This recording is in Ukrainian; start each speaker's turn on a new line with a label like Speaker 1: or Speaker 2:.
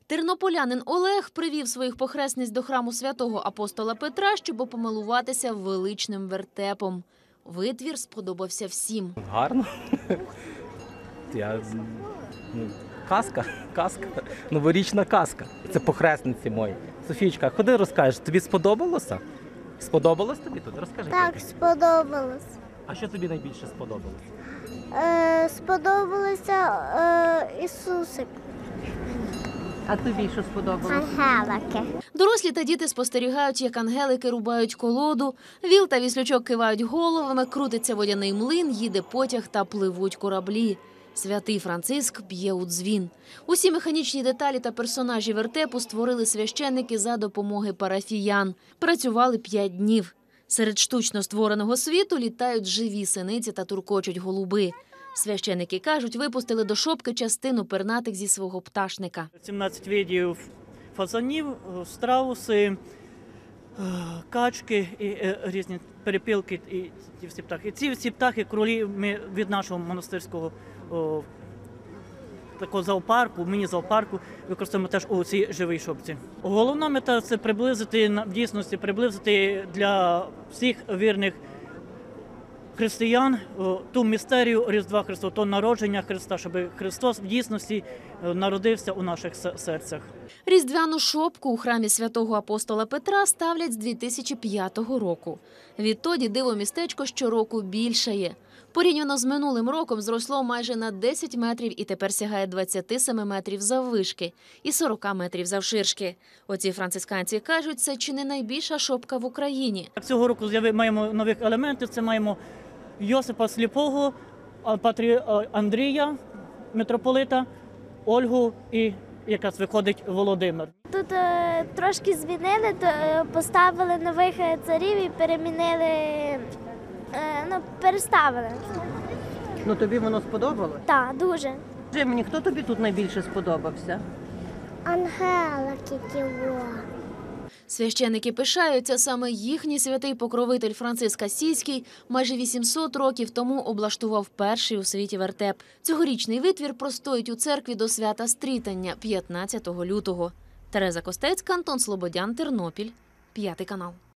Speaker 1: Тернополянин Олег привів своїх похресниць до храму святого апостола Петра, щоб помилуватися величним вертепом. Витвір сподобався всім.
Speaker 2: Гарно. Казка. Новорічна казка. Це похресниці мої. Софійчка, ходи розкажеш, тобі сподобалося? Сподобалось тобі тут? Розкажи.
Speaker 3: Так, сподобалось.
Speaker 2: А що тобі найбільше сподобалося?
Speaker 3: Сподобалося Ісусик.
Speaker 4: А тобі що сподобалось?
Speaker 3: Ангелики.
Speaker 1: Дорослі та діти спостерігають, як ангелики рубають колоду, віл та віслючок кивають головами, крутиться водяний млин, їде потяг та пливуть кораблі. Святий Франциск б'є у дзвін. Усі механічні деталі та персонажі вертепу створили священники за допомоги парафіян. Працювали 5 днів. Серед штучно створеного світу літають живі синиці та туркочуть голуби. Священики кажуть, випустили до шопки частину пернатих зі свого пташника.
Speaker 5: 17 видів фазанів, страуси, качки і різні перепілки і ці всі птахи. Ці всі птахи кролі ми від нашого монастирського такого зоопарку, міні-зоопарку використовуємо теж у цій живій шопці. Головна мета – це в дійсності приблизити для всіх вірних християн ту містерію Різдва Христова, то народження Христа, щоб Христос в дійсності народився у наших серцях.
Speaker 1: Різдвяну шопку у храмі святого апостола Петра ставлять з 2005 року. Відтоді диво-містечко щороку більшає. Порівняно з минулим роком зросло майже на 10 метрів і тепер сягає 27 метрів заввишки і 40 метрів завширшки. Оці францисканці кажуть, це чи не найбільша шопка в Україні.
Speaker 5: Цього року маємо нових елементів, це маємо Йосипа Сліпого, Андрія, митрополита, Ольгу і якраз виходить Володимир.
Speaker 3: Тут трошки змінили, поставили нових царів і переставили.
Speaker 4: Ну тобі воно сподобалось?
Speaker 3: Так, дуже.
Speaker 4: Скажи мені, хто тобі тут найбільше сподобався?
Speaker 3: Ангелики тіло.
Speaker 1: Священики пишаються, саме їхній святий покровитель Франциск Асійський майже 800 років тому облаштував перший у світі вертеп. Цьогорічний витвір простоїть у церкві до свята Стрітання 15 лютого. Тереза Костецька, Антон Слободян, Тернопіль, 5 канал.